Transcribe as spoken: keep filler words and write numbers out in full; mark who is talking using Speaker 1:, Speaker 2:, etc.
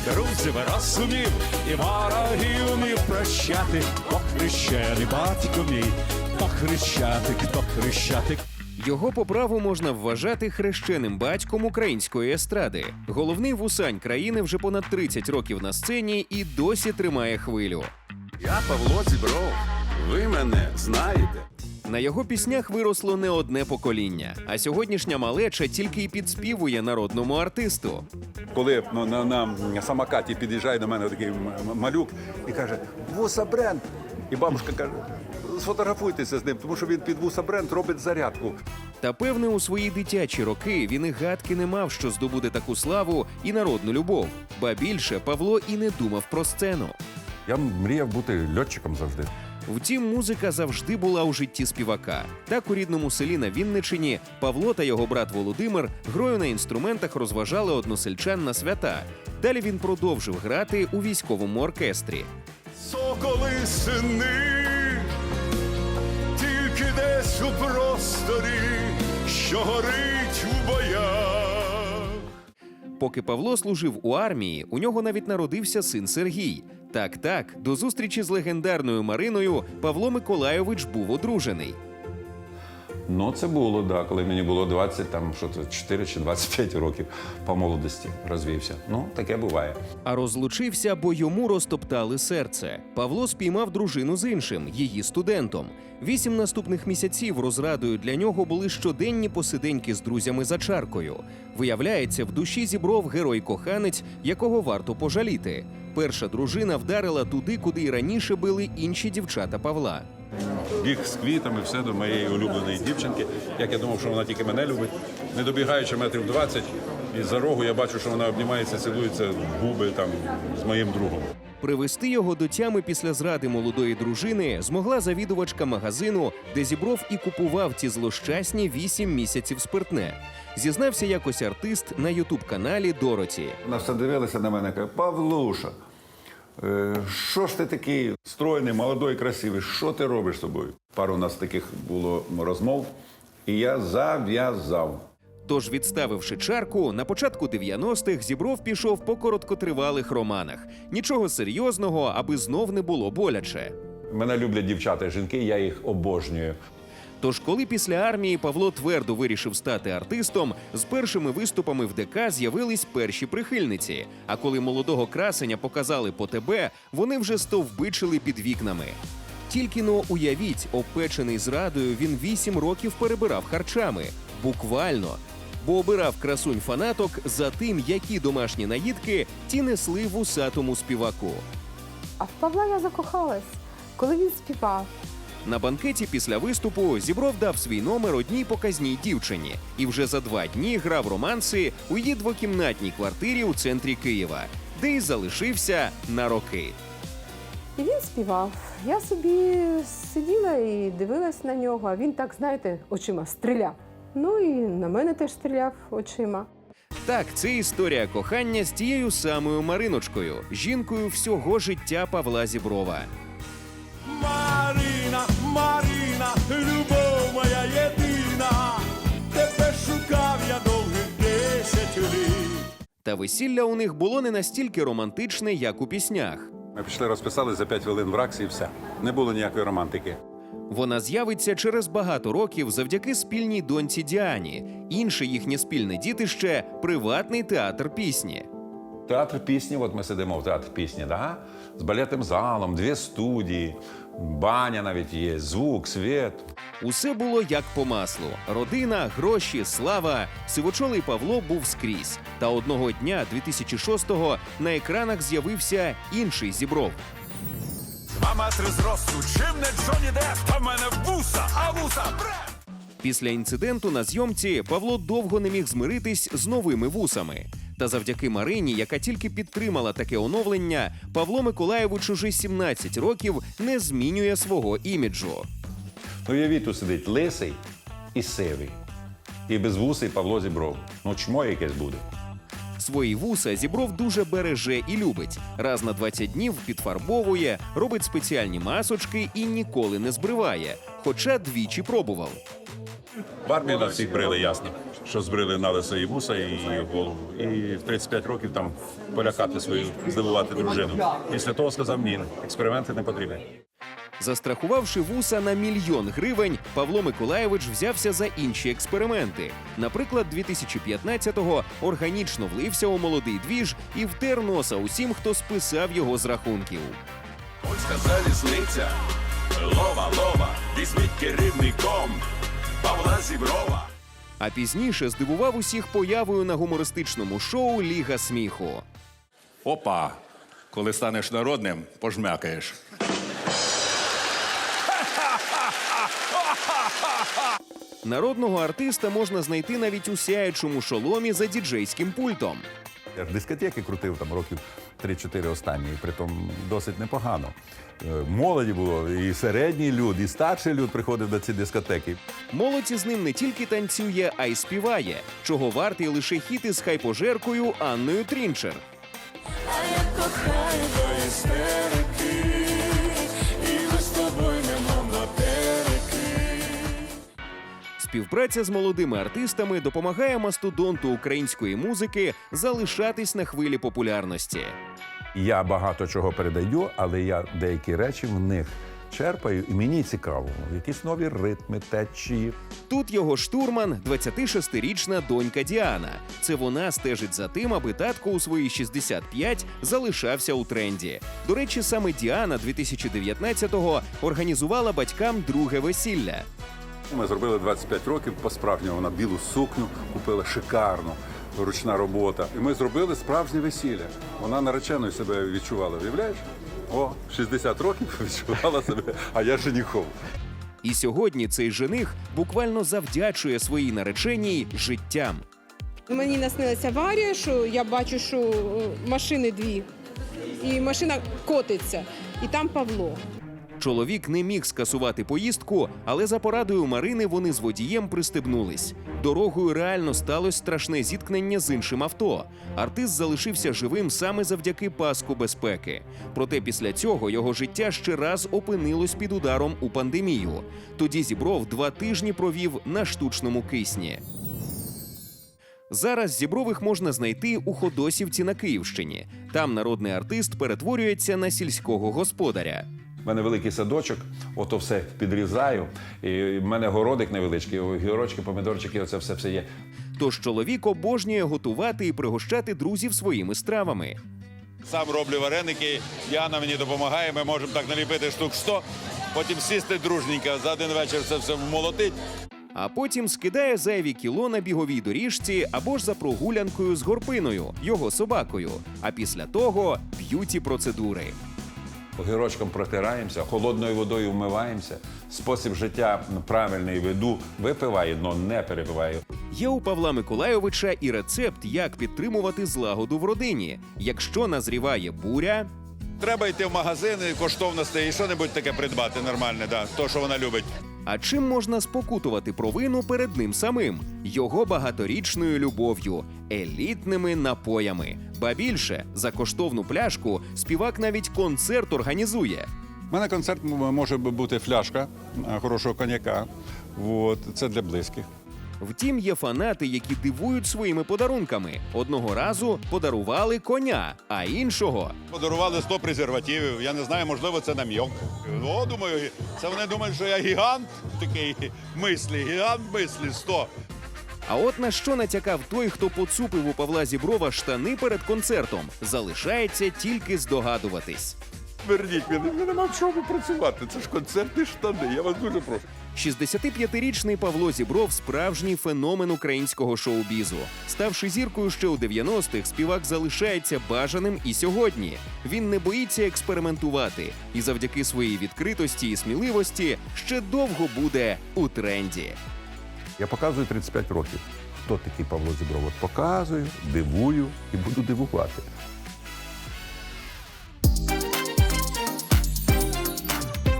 Speaker 1: друзів розумів, і ворогів умів прощати. Ох, хрещений батько мій, ох, хрещатик, ох, хрещатик.
Speaker 2: Його по праву можна вважати хрещеним батьком української естради. Головний вусань країни вже понад тридцять років на сцені і досі тримає хвилю.
Speaker 3: Я Павло Зібров. Ви мене знаєте.
Speaker 2: На його піснях виросло не одне покоління, а сьогоднішня малеча тільки й підспівує народному артисту.
Speaker 3: Коли ну, на, на самокаті під'їжджає до мене такий м- малюк і каже: «Вуса бренд». І бабушка каже: «Сфотографуйтеся з ним, тому що він під вуса бренд робить зарядку».
Speaker 2: Та певне, у свої дитячі роки він і гадки не мав, що здобуде таку славу і народну любов. Ба більше, Павло і не думав про сцену.
Speaker 4: Я мріяв бути льотчиком завжди.
Speaker 2: Втім, музика завжди була у житті співака. Так у рідному селі на Вінниччині Павло та його брат Володимир грою на інструментах розважали односельчан на свята. Далі він продовжив грати у військовому оркестрі.
Speaker 1: Соколи сини, тільки десь у просторі, що горить у боях.
Speaker 2: Поки Павло служив у армії, у нього навіть народився син Сергій. Так-так, до зустрічі з легендарною Мариною Павло Миколайович був одружений.
Speaker 4: Ну, це було, да, коли мені було двадцять, там, що це, чотири чи двадцять п'ять років по молодості розвівся. Ну, таке буває.
Speaker 2: А розлучився, бо йому розтоптали серце. Павло спіймав дружину з іншим, її студентом. Вісім наступних місяців розрадою для нього були щоденні посиденьки з друзями за чаркою. Виявляється, в душі Зібров герой-коханець, якого варто пожаліти. Перша дружина вдарила туди, куди й раніше били інші дівчата Павла.
Speaker 5: Біг з квітами, все до моєї улюбленої дівчинки. Як я думав, що вона тільки мене любить. Не добігаючи метрів двадцять, і за рогу я бачу, що вона обнімається, цілується в губи там з моїм другом.
Speaker 2: Привести його до тями після зради молодої дружини змогла завідувачка магазину, де Зібров і купував ті злощасні вісім місяців спиртне. Зізнався якось артист на ютуб-каналі Дороті.
Speaker 4: Вона все дивилася на мене, каже: «Павлуша, е, що ж ти такий стройний, молодий, красивий, що ти робиш з собою?» Пару у нас таких було розмов, і я зав'язав.
Speaker 2: Тож, відставивши чарку, на початку дев'яностих Зібров пішов по короткотривалих романах. Нічого серйозного, аби знов не було боляче.
Speaker 4: Мене люблять дівчата і жінки, я їх обожнюю.
Speaker 2: Тож, коли після армії Павло твердо вирішив стати артистом, з першими виступами в ДК з'явились перші прихильниці. А коли молодого красеня показали по ТБ, вони вже стовбичили під вікнами. Тільки-но уявіть, обпечений зрадою, він вісім років перебирав харчами. Буквально. Бо обирав красунь фанаток за тим, які домашні наїдки ті несли вусатому співаку.
Speaker 6: А в Павла я закохалась, коли він співав.
Speaker 2: На банкеті після виступу Зібров дав свій номер одній показній дівчині і вже за два дні грав романси у її двокімнатній квартирі у центрі Києва, де й залишився на роки.
Speaker 6: І він співав. Я собі сиділа і дивилась на нього, а він так, знаєте, очима стріляв. Ну і на мене теж стріляв очима.
Speaker 2: Так, це історія кохання з тією самою Мариночкою, жінкою всього життя Павла Зіброва.
Speaker 1: Марина, Марина, любов моя єдина, тебе шукав я довгих десять літ.
Speaker 2: Та весілля у них було не настільки романтичне, як у піснях.
Speaker 5: Ми пішли, розписали за п'ять хвилин в РАКСі і все. Не було ніякої романтики.
Speaker 2: Вона з'явиться через багато років завдяки спільній доньці Діані. Інше їхнє спільне дітище – приватний театр пісні.
Speaker 4: Театр пісні, от ми сидимо в театр пісні, да? З балетним залом, дві студії, баня навіть є, звук, світ.
Speaker 2: Усе було як по маслу. Родина, гроші, слава. Сивочолий Павло був скрізь. Та одного дня, дві тисячі шостого, на екранах з'явився інший Зібров.
Speaker 1: Два метри зросту, чим не Джонні Депп, та в мене вуса, а вуса бренд.
Speaker 2: Після інциденту на зйомці Павло довго не міг змиритись з новими вусами. Та завдяки Марині, яка тільки підтримала таке оновлення, Павло Миколайович уже сімнадцять років не змінює свого іміджу.
Speaker 4: Ну, уявіть, тут сидить лисий і сивий. І безвусий Павло Зібров. Ну, чмо якесь буде.
Speaker 2: Свої вуса Зібров дуже береже і любить. Раз на двадцять днів підфарбовує, робить спеціальні масочки і ніколи не збриває. Хоча двічі пробував.
Speaker 5: В армії нас всіх брили, ясно. що збрили на лисо і вуса, і голову. І в тридцять п'ять років там полякати свою, здивувати дружину. Після того сказав, ні, експерименти не потрібні.
Speaker 2: Застрахувавши вуса на мільйон гривень, Павло Миколайович взявся за інші експерименти. Наприклад, дві тисячі п'ятнадцятого органічно влився у молодий двіж і втер носа усім, хто списав його з рахунків.
Speaker 1: Польська залізниця, лова, лова, візьміть керівником Павла Зіброва.
Speaker 2: А пізніше здивував усіх появою на гумористичному шоу «Ліга сміху».
Speaker 7: Опа, коли станеш народним, пожмякаєш.
Speaker 2: Народного артиста можна знайти навіть у сяючому шоломі за діджейським пультом.
Speaker 4: Я ж дискотеки крутив там років три-чотири останні, і притом досить непогано. Е, Молоді було, і середній люд, і старший люд приходив на ці дискотеки.
Speaker 2: Молодь із ним не тільки танцює, а й співає, чого вартий лише хіт із хайпожеркою Анною Трінчер.
Speaker 8: А я кохаю до істерики, і ми з тобою немов на переки.
Speaker 2: Співпраця з молодими артистами допомагає мастодонту української музики залишатись на хвилі популярності.
Speaker 4: Я багато чого передаю, але я деякі речі в них черпаю, і мені цікаво. Якісь нові ритми, течії.
Speaker 2: Тут його штурман – двадцятишестирічна донька Діана. Це вона стежить за тим, аби татко у свої шістдесят п'ять залишався у тренді. До речі, саме Діана дві тисячі дев'ятнадцятого організувала батькам друге весілля.
Speaker 3: Ми зробили двадцять п'ять років по-справжньому. Вона білу сукню купила шикарну, ручна робота. І ми зробили справжнє весілля. Вона нареченою себе відчувала, уявляєш? О, шістдесят років відчувала себе, а я женихом.
Speaker 2: І сьогодні цей жених буквально завдячує своїй нареченій життям.
Speaker 6: Мені наснилася аварія, що я бачу, що е, машини дві, і машина котиться, і там Павло.
Speaker 2: Чоловік не міг скасувати поїздку, але за порадою Марини вони з водієм пристебнулись. Дорогою реально сталося страшне зіткнення з іншим авто. Артист залишився живим саме завдяки паску безпеки. Проте після цього його життя ще раз опинилось під ударом у пандемію. Тоді Зібров два тижні провів на штучному кисні. Зараз Зібрових можна знайти у Ходосівці на Київщині. Там народний артист перетворюється на сільського господаря.
Speaker 4: У мене великий садочок, ото все підрізаю. І в мене городик невеличкий, гірочки, помідорчики, оце все все є.
Speaker 2: Тож чоловік обожнює готувати і пригощати друзів своїми стравами.
Speaker 5: Сам роблю вареники, Діана мені допомагає, ми можемо так наліпити штук сто, потім сісти дружненько, за один вечір це все вмолотить.
Speaker 2: А потім скидає зайві кіло на біговій доріжці або ж за прогулянкою з Горпиною, його собакою. А після того – б'юті-процедури.
Speaker 4: Огірочком протираємося, холодною водою вмиваємося. Спосіб життя правильний веду, випиваю, але не перепиваю.
Speaker 2: Є у Павла Миколайовича і рецепт, як підтримувати злагоду в родині. Якщо назріває буря,
Speaker 5: Треба йти в магазини, коштовності і що-небудь таке придбати нормальне, да, то, що вона любить.
Speaker 2: а чим можна спокутувати провину перед ним самим? Його багаторічною любов'ю, елітними напоями. Ба більше, за коштовну пляшку співак навіть концерт організує.
Speaker 3: У мене концерт м- може бути фляжка а, хорошого коньяка. От, це для близьких.
Speaker 2: Втім, є фанати, які дивують своїми подарунками. Одного разу подарували коня, а іншого
Speaker 5: Подарували сто презервативів, я не знаю, можливо, це нам'йок. О, думаю, це вони думають, що я гігант такий мислі, гігант мислі, сто.
Speaker 2: А от на що натякав той, хто поцупив у Павла Зіброва штани перед концертом, залишається тільки здогадуватись.
Speaker 3: Верніть мене, мене нема в чому працювати. Це ж концертні штани, я вас дуже прошу.
Speaker 2: шістдесятип'ятирічний Павло Зібров – справжній феномен українського шоу-бізу. Ставши зіркою ще у дев'яностих, співак залишається бажаним і сьогодні. Він не боїться експериментувати і завдяки своїй відкритості і сміливості ще довго буде у тренді.
Speaker 4: Я показую тридцять п'ять років. Хто такий Павло Зібров? От показую, дивую і буду дивувати.